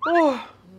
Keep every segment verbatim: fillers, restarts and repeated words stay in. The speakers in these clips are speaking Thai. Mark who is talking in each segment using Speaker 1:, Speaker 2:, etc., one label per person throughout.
Speaker 1: โอ้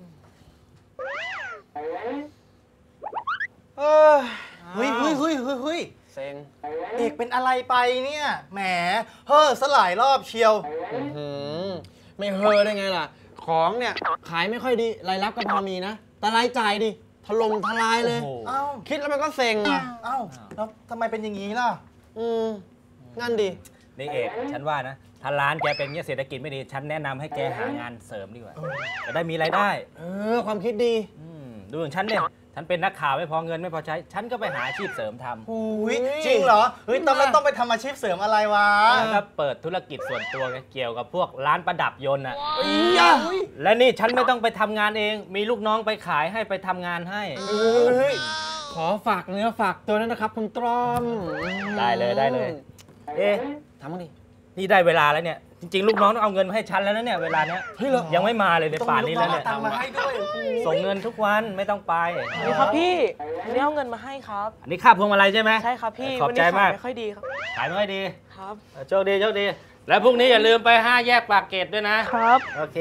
Speaker 1: เออเฮ้ยเฮ้ยเฮ้ยเฮ้ยเฮ้ยเซ็งเอกเป็นอะไรไปเนี่ยแหมเฮ้อสลายรอบเชียวไม่เฮ้อได้ไงล่ะของเนี่ยขายไม่ค่อยดีรายรับก็พอมีนะแต่รายจ่ายดิถล่มทลายเลยเอ้าคิดแล้วมันก็เซ็งอ่ะเอ้าแล้วทำไมเป็นอย่างนี้ล่ะอืมนั่นดิ
Speaker 2: นี่เอกฉันว่านะถ้าร้านแกเป็นเนี่ยเศรษฐกิจไม่ดีฉันแนะนำให้แกหางานเสริมดีกว่าจะได้มีรายได้
Speaker 1: เออความคิดดี
Speaker 2: ดูอย่างฉันเนี่ยฉันเป็นนักข่าวไม่พอเงินไม่พอใช้ฉันก็ไปหาอาชีพเสริมทำ
Speaker 1: อุ้ยจริงเหรอเฮ้ยต้องแล้วต้องไปทำอาชีพเสริมอะไรวะ
Speaker 2: ก็เปิดธุรกิจส่วนตัวเกี่ยวกับพวกร้านประดับยนต์อ่ะและนี่ฉันไม่ต้องไปทำงานเองมีลูกน้องไปขายให้ไปทำงานให้
Speaker 1: ขอฝากเนื้อฝากตัวนั้นนะครับคุณตรอม
Speaker 2: ได้เลยได้เลยเอ๊ะ
Speaker 1: ทำมั้งดิ
Speaker 2: นี่ได้เวลาแล้วเนี่ยจริงๆลูกน้องต้องเอาเงินมาให้ฉันแล้วนะเนี่ยเวลาเนี้ยยังไม่มาเลยในป่านนี้แล้วเนี่ยส่งเงินทุกวันไม่ต้องไป
Speaker 3: นี่ครับพี่นี่เอาเงินมาให้ครับ
Speaker 2: อันนี้ค่าพวงมาลัยใช่ไหม
Speaker 3: ใช่ครับพี่
Speaker 2: ขอบใจมาก
Speaker 3: ไม่ค่อยดีครับ
Speaker 2: ขายไม่ค่อยดี
Speaker 3: ครับ
Speaker 2: โชคดีโชคดีแล้วพรุ่งนี้อย่าลืมไปห้าแยกปากเกร็ดด้วย
Speaker 3: นะครับ
Speaker 2: โอเค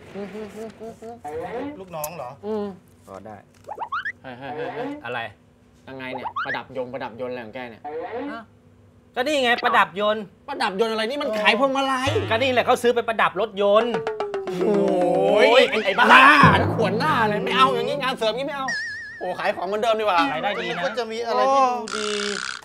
Speaker 1: ลูกน้องเหรอ
Speaker 2: อืมก็ได้อะไร
Speaker 1: ยังไงเนี่ยประดับยงประดับยนต์อะไรของแกเนี่ย
Speaker 2: ก็นี่ไงประดับยนต์
Speaker 1: ประดับยนต์อะไรนี่มันขายพวงมาลัย
Speaker 2: ก็นี่แหละเขาซื้อไปประดับรถยนต์
Speaker 1: โอ้ยไอ้บ้าขวนหน้าเลยไม่เอาอย่างนี้งานเสริมงี้ไม่เอาโอ้ขายของเหมือนเดิมดีกว่า
Speaker 2: รายได้ดีนะ
Speaker 1: ก็จะมีอะไรที่ดูดี